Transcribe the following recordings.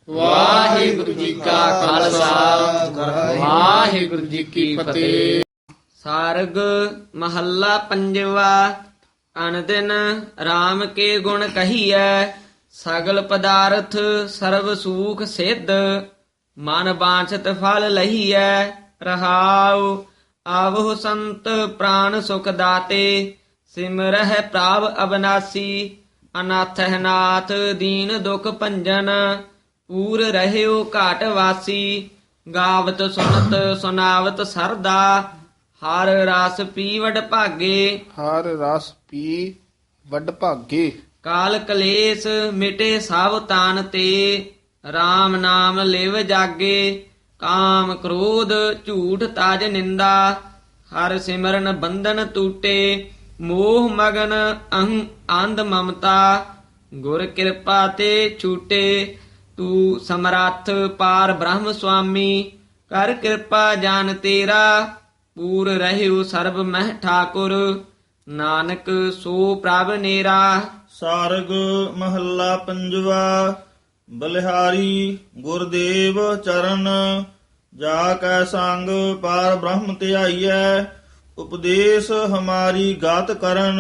ਵਾਹਿਗੁਰੂ ਜੀ ਕਾ ਖਾਲਸਾ ਵਾਹਿਗੁਰੂ ਜੀ ਕੀ ਫਤਿਹ। ਸਾਰਗ ਮਹੱਲਾ ਪੰਜਵਾ। ਅਨਦਿਨ RAM ਕੇ ਗੁਣ ਕਹੀਐ, ਸਗਲ ਪਦਾਰਥ ਸਰਬ ਸੂਖ ਸਿੱਧ। ਮਨ ਬਾਂਛਤ ਫਲ ਲਹੀਐ, ਰਹਾਉ ਆਵਹੁ ਸੰਤ ਪ੍ਰਾਨ ਸੁਖ ਦਾਤੇ। ਸਿਮਰਹਿ ਪ੍ਰਭ ਅਬਨਾਸੀ, ਅਨਾਥਹਿ ਨਾਥ ਦੀਨ ਦੁਖ ਭੰਜਨ। ਪੂਰ ਰਹਿਓ ਘਾਟ ਵਾਸੀ, ਗਾਵਤ ਸੁਨਤ ਸੁਨਾਵਤ ਸਰਦਾ। ਹਰ ਰਸ ਪੀ ਵਡ ਭਾਗੇ, ਹਰ ਰਸ ਪੀ ਵੱਡ ਭਾਗੇ। ਕਾਲ ਕਲੇਸ਼ ਮਿਟੇ ਸਭ ਤਾਨ ਤੇ। RAM ਨਾਮ ਲਿਵ ਜਾਗੇ, ਕਾਮ ਕ੍ਰੋਧ ਝੂਠ ਤਾਜ ਨਿੰਦਾ। ਹਰ ਸਿਮਰਨ ਬੰਧਨ ਟੂਟੇ, ਮੋਹ ਮਗਨ ਅੰਧ ਮਮਤਾ। ਗੁਰ ਕਿਰਪਾ ਤੇ ਛੂਟੇ, ਤੂੰ ਸਮਰੱਥ ਪਾਰ ਬ੍ਰਹਮ ਸੁਆਮੀ। ਕਰ ਕਿਰਪਾ ਜਾਨ ਤੇਰਾ, ਪੂਰ ਰਹਿਓ ਸਰਬ ਮਹਿ ਠਾਕੁਰ। ਨਾਨਕ ਸੋ ਪ੍ਰਭ ਨੇਰਾ। ਸਾਰਗ ਮਹੱਲਾ ਪੰਜਵਾ। ਬਲਿਹਾਰੀ ਗੁਰਦੇਵ ਚਰਨ, ਜਾ ਕੈ ਸੰਗ ਪਾਰ ਬ੍ਰਹਮ ਧਿਆਈਐ। ਉਪਦੇਸ਼ ਹਮਾਰੀ ਗਾਤ ਕਰਨ,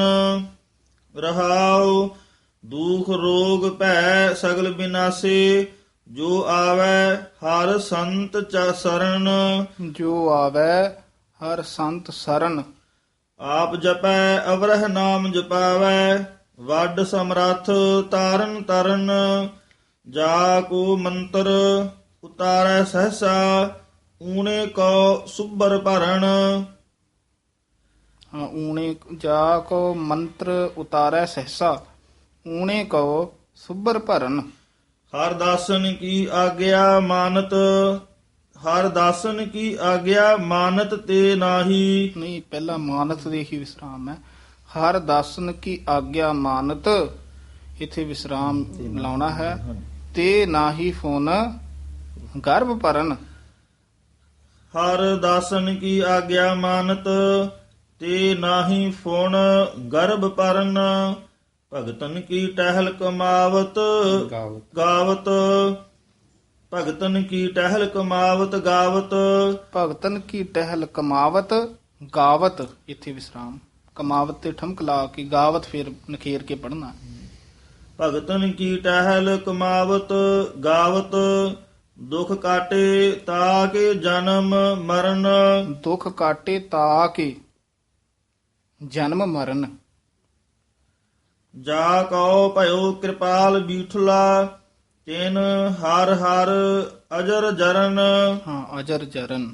ਰਹਾਉ ਦੁਖ ਰੋਗ ਭੈ ਸਗਲ ਬਿਨਾਸੇ। ਜੋ ਆਵੈ ਹਰ ਸੰਤ ਸਰਣ, ਜੋ ਆਵੈ ਹਰ ਸੰਤ ਸਰਨ। ਆਪ ਜਪੈ ਅਵਰਹ ਨਾਮ ਜਪਾਵੈ, ਵੱਡ ਸਮਰੱਥ ਤਾਰਨ ਤਰਨ। ਜਾ ਕੋ ਮੰਤਰ ਉਤਾਰੈ ਸਹਸਾ, ਊਣੇ ਕੋ ਸੁਭਰ ਭਰਨ। ਊਣੇ ਜਾ ਕੋ ਮੰਤਰ ਉਤਾਰੈ ਸਹਸਾ, ਊਣੇ ਕੋ ਸੁਭਰ ਭਰਨ। ਹਰ ਦਾਸਨ ਕੀ ਆਗਿਆ ਮਾਨਤ, ਹਰ ਦਾਸਨ ਕੀ ਆਗਿਆ ਮਾਨਤ ਤੇ ਨਾਹੀ। ਨਹੀਂ, ਪਹਿਲਾ ਮਾਨਤ ਦੇ ਹੀ ਵਿਸਰਾਮ ਹੈ। ਹਰ ਦਾਸਨ ਕੀ ਆਗਿਆ ਮਾਨਤ, ਇਥੇ ਵਿਸਰਾਮ ਲਾਉਣਾ ਹੈ। ਤੇ ਨਾਹੀ ਫੋਨ ਗਰਭ ਭਰਨ। ਹਰ ਦਾਸਨ ਕੀ ਆਗਿਆ ਮਾਨਤ, ਤੇ ਨਾਹੀ ਫੁਣ ਗਰਭ ਭਰਨ। ਭਗਤਨ ਕੀ ਟਹਿਲ ਕਮਾਵਤ ਗਾਵਤ, ਭਗਤਨ ਕੀ ਟਹਿਲ ਕਮਾਵਤ ਗਾਵਤ। ਭਗਤਨ ਕੀ ਟਹਿਲ ਕਮਾਵਤ ਗਾਵਤ, ਇਥੇ ਵਿਸਰਾਮ। ਕਮਾਵਤ ਤੇ ਠਮਕ ਲਾ ਕੇ ਗਾਵਤ ਫਿਰ ਨਖੇਰ ਕੇ ਪੜਨਾ। ਭਗਤਨ ਕੀ ਟਹਿਲ ਕਮਾਵਤ ਗਾਵਤ, ਦੁਖ ਕਾਟੇ ਤਾਕੇ ਜਨਮ ਮਰਨ। ਦੁਖ ਕਾਟੇ ਤਾ ਕੇ ਜਨਮ ਮਰਨ। ਜਾ ਕਉ ਭਇਓ ਕਿਰਪਾਲ ਬੀਠਲਾ, ਤਿਨ ਹਰ ਹਰ ਅਜਰ ਜਰਨ। ਅਜਰ ਜਰਨ।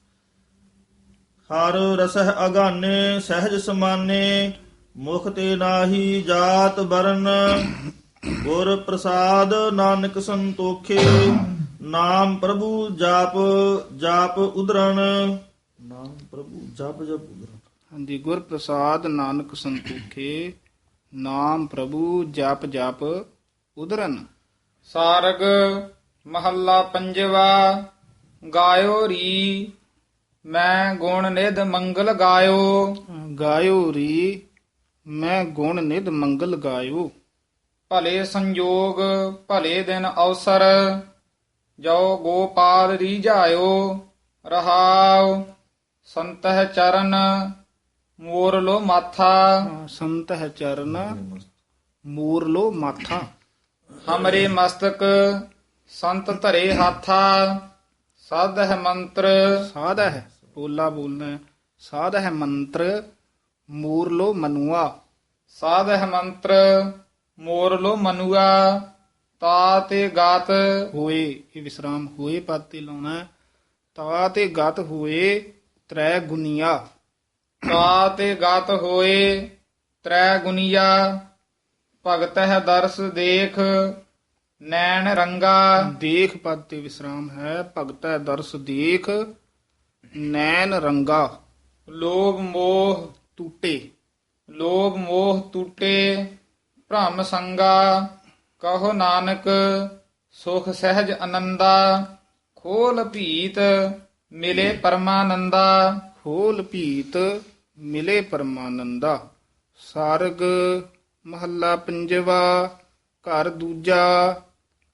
ਹਰ ਰਸਹ ਅਗਾਨੇ ਸਹਿਜ ਸਮਾਨੇ, ਮੁਖ ਤੇ ਨਾਹੀ ਜਾਤ ਬਰਨ। ਗੁਰ ਪ੍ਰਸਾਦ ਨਾਨਕ ਸੰਤੋਖੇ, ਨਾਮ ਪ੍ਰਭੂ ਜਾਪ ਜਾਪ ਉਦਰਨ। ਨਾਮ ਪ੍ਰਭੂ ਜਪ ਜਪ ਉਦਰਨ। ਹਾਂਜੀ, ਗੁਰ ਪ੍ਰਸਾਦ ਨਾਨਕ ਸੰਤੋਖੇ, ਨਾਮ ਪ੍ਰਭੂ ਜਪ ਜਪ ਉਦਰਨ। ਸਾਰਗ ਮਹੱਲਾ ਪੰਜਵਾ। ਗਾਇਓ ਰੀ ਮੈਂ ਗੁਣ ਨਿਧ ਮੰਗਲ ਗਾਇਓ। ਗਾਇਓ ਰੀ ਮੈਂ ਗੁਣ ਨਿਧ ਮੰਗਲ ਗਾਇਓ। ਭਲੇ ਸੰਜੋਗ ਭਲੇ ਦਿਨ ਅਵਸਰ, ਜੋ ਗੋਪਾਲ ਰੀਝਾਇਓ। ਰਹਾਉ ਸੰਤਹਿ ਚਰਨ ਮੋਰ ਲੋ ਮਾਥਾ। ਸੰਤ ਹੈ ਚਰਨ ਮੂਰ ਲੋ ਮਾਥਾ। ਹਮਰੇ ਮਸਤਕ ਸੰਤ ਧਰੇ ਹਾਥਾ। ਸਾਧ ਹੈ ਮੰਤਰ ਸਾਧ ਹੈ ਪੋਲਾ ਬੋਲਣਾ ਹੈ। ਸਾਧ ਹੈ ਮੰਤਰ ਮੂਰ ਲੋ ਮਨੁਆ। ਸਾਧ ਹੈ ਮੰਤਰ ਮੋਰ ਲੋ ਮਨੁਆ। ਤਾ ਤੇ ਗਾਤ ਹੋਏ, ਇਹ ਵਿਸਰਾਮ ਹੋਏ ਪਦ ਤੇ ਲਾਉਣਾ ਹੈ। ਤਾ ਤੇ ਗਤ ਹੋਏ ਤ੍ਰੈ ਗੁਨੀਆ। ਤਾ ਤੇ ਗਾਤ ਹੋਏ ਤ੍ਰੈ ਗੁਨੀਆ। ਭਗਤ ਹੈ ਦਰਸ ਦੇਖ ਨੈਣ ਰੰਗਾ। ਦੇਖ ਪਦ ਤੇ ਵਿਸਰਾਮ ਹੈ। ਭਗਤੈ ਦਰਸ ਦੇਖ ਨੈਣ ਰੰਗਾ। ਲੋਭ ਮੋਹ ਟੂਟੇ। ਲੋਭ ਮੋਹ ਟੂਟੇ ਭ੍ਰਮ ਸੰਗਾ। ਕਹੋ ਨਾਨਕ ਸੁਖ ਸਹਿਜ ਆਨੰਦਾ। ਖੋਲ ਭੀਤ ਮਿਲੇ ਪਰਮਾਨੰਦਾ। ਖੋਲ ਭੀਤ ਮਿਲੇ ਪਰਮਾਨੰਦਾ। ਸਾਰਗ ਮਹੱਲਾ ਪੰਜਵਾ। ਘਰ ਦੂਜਾ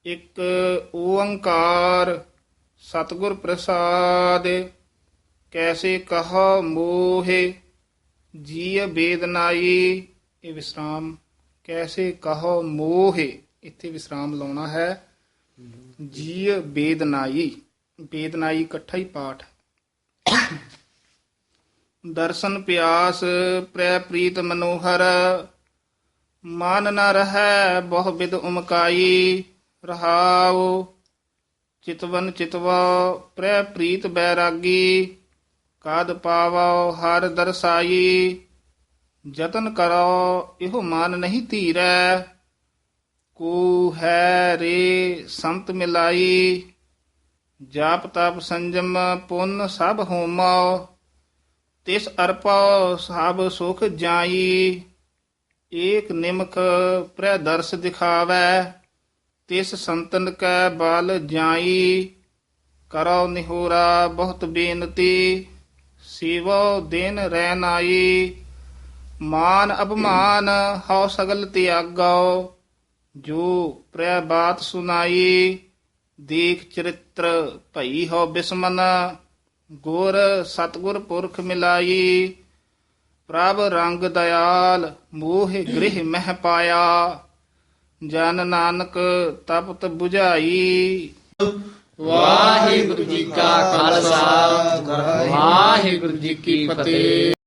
ਇੱਕ ਓੰਕਾਰ ਸਤਿਗੁਰ ਪ੍ਰਸਾਦ ਕੈਸੇ ਕਹਾ ਮੋਹਿ ਜੀ ਬੇਦਨਾਈ। ਇਹ ਵਿਸਰਾਮ ਕੈਸੇ ਕਹੋ ਮੋਹਿ ਇੱਥੇ ਵਿਸਰਾਮ ਲਾਉਣਾ ਹੈ। ਜੀ ਬੇਦਨਾਈ ਬੇਦਨਾਈ ਇਕੱਠਾ ਹੀ ਪਾਠ। ਦਰਸ਼ਨ ਪਿਆਸ ਪ੍ਰੈ ਪ੍ਰੀਤ ਮਨੋਹਰ ਮਨ ਨ ਰਹੈ ਬਹੁ ਬਿਦ ਉਮਕਾਈ। ਰਹਾਉ ਚਿਤਵਨ ਚਿਤਵਾ ਪ੍ਰੈ ਪ੍ਰੀਤ ਬੈਰਾਗੀ ਕਾਦ ਪਾਵੋ ਹਰ ਦਰਸਾਈ। ਜਤਨ ਕਰੋ ਇਹੋ ਮਨ ਨਹੀਂ ਧੀਰੈ ਕੋ ਹੈ ਰੇ ਸੰਤ ਮਿਲਾਈ। ਜਾਪ ਤਪ ਸੰਜਮ ਪੁੰਨ ਸਭ ਹੋਮੋ ਤਿਸ ਅਰਪੋ ਸਭ ਸੁਖ ਜਾਈ। ਏਕ ਨਿਮਖ ਪ੍ਰੈ ਦਰਸ ਦਿਖਾਵੈ ਤਿਸ ਸੰਤਨ ਕੈ ਬਲ ਜਾਈ। ਕਰੋ ਨਿਹੋਰਾ ਬਹੁਤ ਬੇਨਤੀ ਸਿਵੋ ਦਿਨ ਰਹਿ ਨਾਈ। ਮਾਨ ਅਪਮਾਨ ਹਉ ਸਗਲ ਤਿਆਗੋ ਜੋ ਪ੍ਰੈ ਬਾਤ ਸੁਨਾਈ। ਦੇਖ ਚਰਿਤ੍ਰ ਭਈ ਹੋ ਬਿਸਮਨ ਗੁਰ ਸਤਗੁਰ ਪੁਰਖ ਮਿਲਾਈ। ਪ੍ਰਭ ਰੰਗ ਦਇਆਲ ਮੋਹ ਗ੍ਰਹਿ ਮਹਿ ਪਾਇਆ ਜਨ ਨਾਨਕ ਤਪਤ 부ਝਾਈ। ਵਾਹਿਗੁਰੂ ਜੀ ਕਾ ਖਾਲਸਾ ਵਾਹਿਗੁਰੂ ਜੀ ਕੀ ਫਤਿਹ।